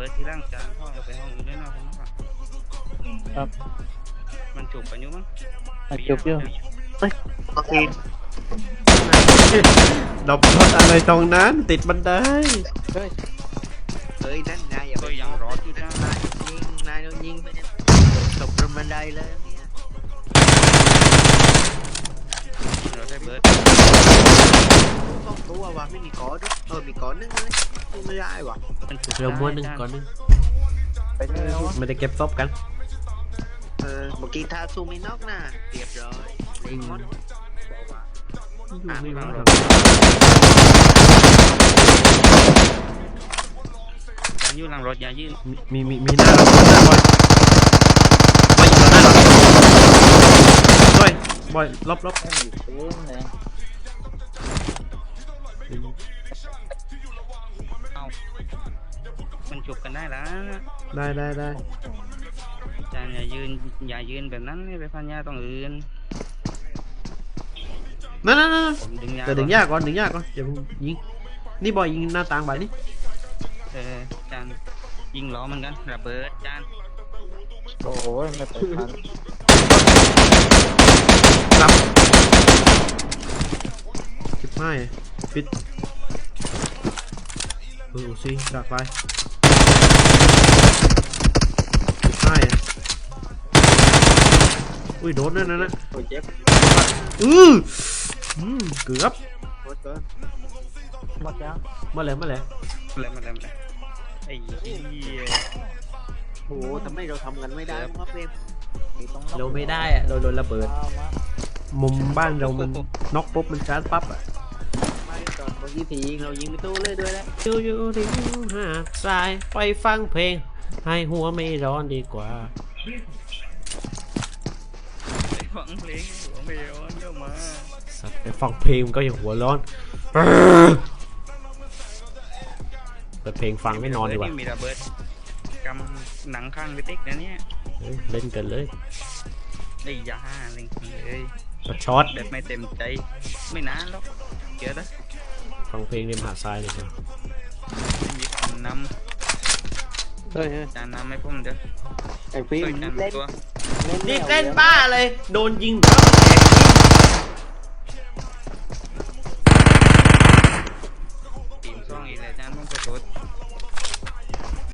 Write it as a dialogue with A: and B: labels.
A: ดที่ร่างจานพ่อจะไปห้องอื่นด้วยนะครับ มันจูบกันอยู่มั้ง
B: จบอยู่โอเค
C: ดบรถอะไรตรงนั้นติดบันได
B: เฮ้ยนั่นนายอย่า
A: ก็
B: ไป
A: ยังรออยู่นะ
B: นายโดนยิงไปเนี่ยตกลงบันไดเลยเนี่ย
A: เราได้เบิร์ด
B: ต้องตัวว่ะไม่มีก้อนด้วยมีก้อนนึงเลยสู้ไม่ได้ว่ะ
A: มันจูบ
C: เร็วม้วนหนึ่งก่อนหนึงไม่ได้เก็บซบกัน
B: เมื่อกี้ถ้าสู้ไม่นอกน่ะเรียบร้อยเล็งหมดบอกว่า
C: ไม่รู้หรอก
A: จานอยู่หลังรถอย่ายืน
C: มีหน้าเราบอยบอยบอยลบ
A: เอามันจูบกันได้แล้ว
C: ได้
A: จานอย่ายืนแบบนั้นไปพันยาต้องอื่น
C: นั่น
A: ผมดึงยา
C: แต่ดึงยากก่อนอย่าเพิ่งยิงนี่บอยยิงหน้าต่างไปนี่
A: จานยิงล้อมันกันระเบิดจาน
B: โอ้โหไม่ไปทัน
C: รับ15ปิดสิจากไป15อุ้ยโดนนั่นนะ
B: โอ้ยเจ็บ
C: เกือบ
B: โคตรเกินหมดแล้ว
C: มาเลย
A: มาเลยไอ้เหี้ย
B: โอ้โหทำไมเราทำกันไม่ได้วะเฟรม
C: เราไม่ได้อะเราโดนระเบิดมุมบ้านเรามันน็อกปุ๊บมันชาร์จปั๊บอะ
B: ไม่ตอนเมื่อกี้ผียิงเรายิงไม่ตู้เลยด้วยแล้ว
C: อยู่ริมหาดทรายไปฟังเพลงให้หัวไม่ร้อนดีกว่า
A: ไปฟังเพลงหัวไม่ร้อนเดี๋ยวมา
C: สัตว์ไปฟังเพลงมันก็ยังหัวร้อนเปิดเพลงฟังไม่นอนดีกว่า
A: มีระเบิดกำหนังข้างไปติ๊กนะเนี่ย
C: เฮ้ยเล่นกันเลย
A: ไอ้ยาเล่นเลย
C: กระช็อต
A: แบบไม่เต็มใจไม่นานหรอกเดี๋ยวนะ
C: ฟังเพลงริมหาดทรายเลยครับ
A: ไม่มีคนน
B: เฮ้ย
A: ำจานนำให้ผมเดี๋ยว
B: ไอ้ฟิล์
A: ช่วย
B: ม
A: จาน
B: เล่น
A: ตัว
C: นี่เล่นบ้าเลยโดนยิงแล้วแตก